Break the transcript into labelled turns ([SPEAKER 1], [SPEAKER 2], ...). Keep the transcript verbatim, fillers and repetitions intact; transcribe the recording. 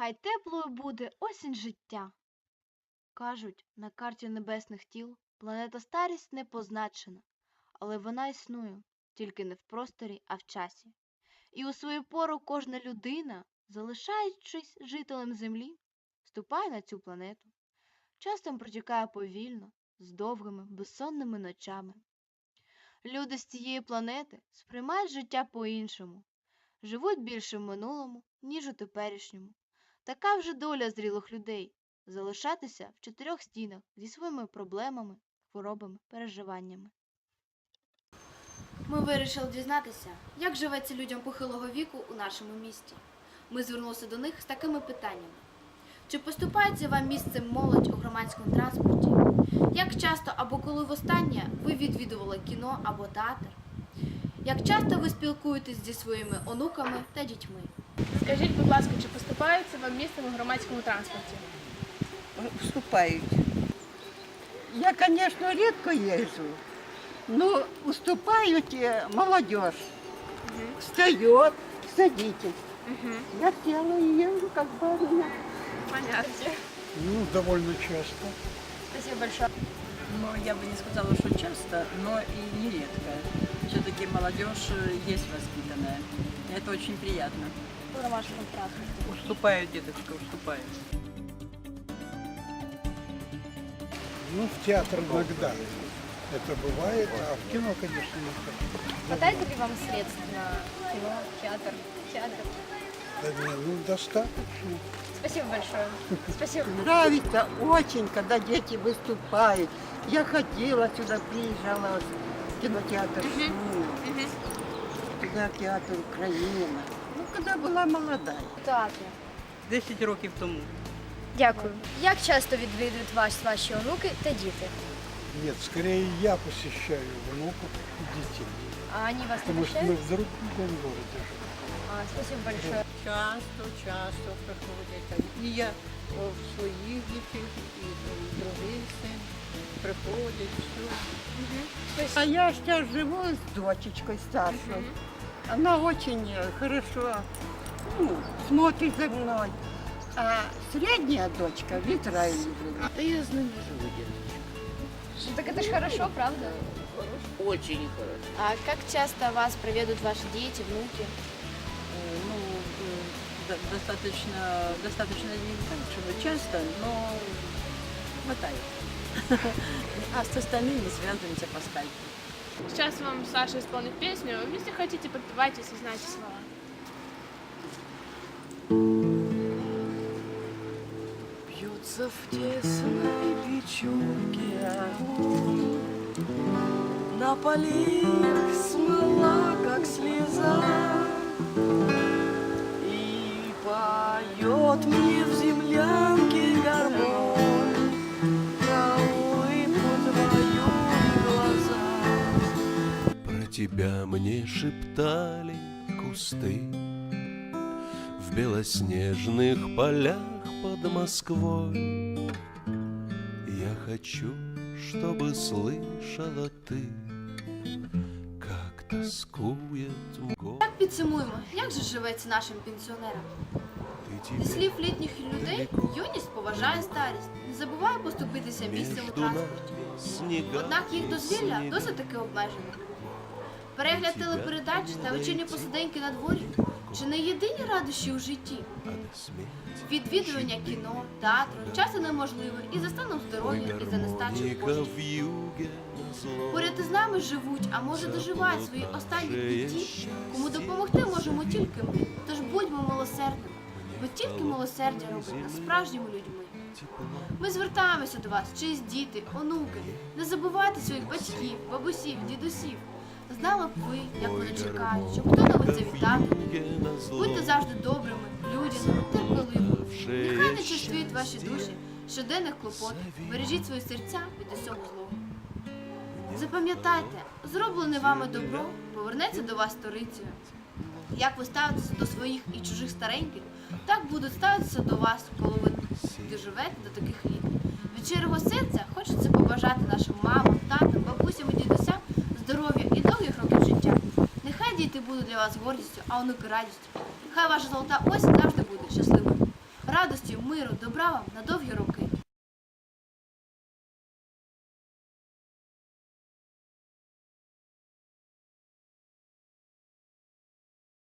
[SPEAKER 1] Хай теплою буде осінь життя. Кажуть, на карті небесних тіл планета Старість не позначена, але вона існує, тільки не в просторі, а в часі. І у свою пору кожна людина, залишаючись жителем Землі, вступає на цю планету. Часом протікає повільно, з довгими, безсонними ночами. Люди з цієї планети сприймають життя по-іншому, живуть більше в минулому, ніж у теперішньому. Така вже доля зрілих людей – залишатися в чотирьох стінах зі своїми проблемами, хворобами, переживаннями. Ми вирішили дізнатися, як живеться людям похилого віку у нашому місті. Ми звернулися до них з такими питаннями. Чи поступається вам місцем молодь у громадському транспорті? Як часто або коли востаннє ви відвідували кіно або театр? Як часто ви спілкуєтесь зі своїми онуками та дітьми?
[SPEAKER 2] Скажіть, будь ласка, чи поступається вам місцем у громадському транспорті?
[SPEAKER 3] Уступають. Я, конечно, редко езжу, но уступают молодежь.
[SPEAKER 2] Угу.
[SPEAKER 3] Встает, садитесь.
[SPEAKER 2] Угу.
[SPEAKER 3] Я села и езжу, как барыня.
[SPEAKER 2] Понятно.
[SPEAKER 4] Ну, довольно часто.
[SPEAKER 2] Спасибо большое.
[SPEAKER 5] Но я бы не сказала, что часто, но и нередко. Все-таки молодежь есть воспитанная. И это очень приятно.
[SPEAKER 2] В громадском транспорте.
[SPEAKER 5] Уступают, деточка, уступают.
[SPEAKER 4] Ну, в театр иногда это бывает, а в кино, конечно, не так.
[SPEAKER 2] Хватает ли вам средств на кино, театр, театр?
[SPEAKER 4] Да не, ну, достаточно.
[SPEAKER 2] Спасибо большое. Спасибо.
[SPEAKER 3] Нравится очень, когда дети выступают. Я ходила сюда, приезжала в кинотеатр «Шум», туда театр «Украина». Ну, когда была молодая.
[SPEAKER 2] Театр.
[SPEAKER 5] десять років тому.
[SPEAKER 2] Дякую. Як часто відвідують вас ваші онуки та діти?
[SPEAKER 4] Нет, скорее я посещаю внуков и детей.
[SPEAKER 2] А они вас
[SPEAKER 4] Потому что мы в другом городе живем.
[SPEAKER 2] А, спасибо большое.
[SPEAKER 3] Часто, часто приходять. І я о, в своїх дітей, і другий син приходять, все. А я сейчас живу с дочечкой старшей. Она очень хорошо ну, смотрит за мной. А средняя дочка в Израиле живет.
[SPEAKER 6] Да я с ними живу, деточка.
[SPEAKER 2] Ну, так это же хорошо, правда?
[SPEAKER 6] Очень хорошо.
[SPEAKER 1] А як часто вас проведуть ваші діти, внуки?
[SPEAKER 5] Э, Ну, э, до- достаточно, достаточно не так, чтобы часто, но хватает. А с остальными связываемся по скайпу.
[SPEAKER 2] Сейчас вам Саша исполнит песню. Если хотите, подпевайте, если знаете слова.
[SPEAKER 6] Бьется в тесной печурке огонь, на полях смыла, как слеза, и поет мне в землянке гармонь про улыбку твою и глаза.
[SPEAKER 7] Про тебя мне шептали кусты в белоснежных полях под Москвой. Я хочу, чтобы слышала ты, как тоскует мгла.
[SPEAKER 1] Так підсумуємо, як же живеться нашим пенсіонерам? Зі слів літніх людей, юність поважає старість, не забуває поступитися місцем у транспорті. Однак їх дозвілля досить таки обмежено. Перегляд телепередач та вечірні посиденьки на дворі – чи не єдині радощі у житті? Відвідування кіно, театру часто неможливе і за станом здоров'я, і за нестачею коштів. Поряд із нами живуть, а може доживають свої останні дні ті, кому допомогти можемо тільки ми. Тож будьмо милосердними, бо тільки милосердя робить нас справжніми людьми. Ми звертаємося до вас, чиїсь діти, онуки. Не забувайте своїх батьків, бабусів, дідусів. Знали б ви, як вони чекають, щоб хто-небудь завітати. Будьте завжди добрими, людяними, терпеливими. Нехай не чувствують ваші душі щоденних клопот. Бережіть свої серця від усього злого. Запам'ятайте, зроблене вами добро повернеться до вас сторицею. Як ви ставитеся до своїх і чужих стареньких, так будуть ставитися до вас, коли ви доживете до таких літ. Від щирого серця хочеться побажати нашим мамам, татам, бабусям і дідусям здоров'я і довгих років життя. Нехай діти будуть для вас гордістю, а онуки радістю. Хай ваша золота осінь завжди буде щасливою. радості, миру, добра вам на довгі роки.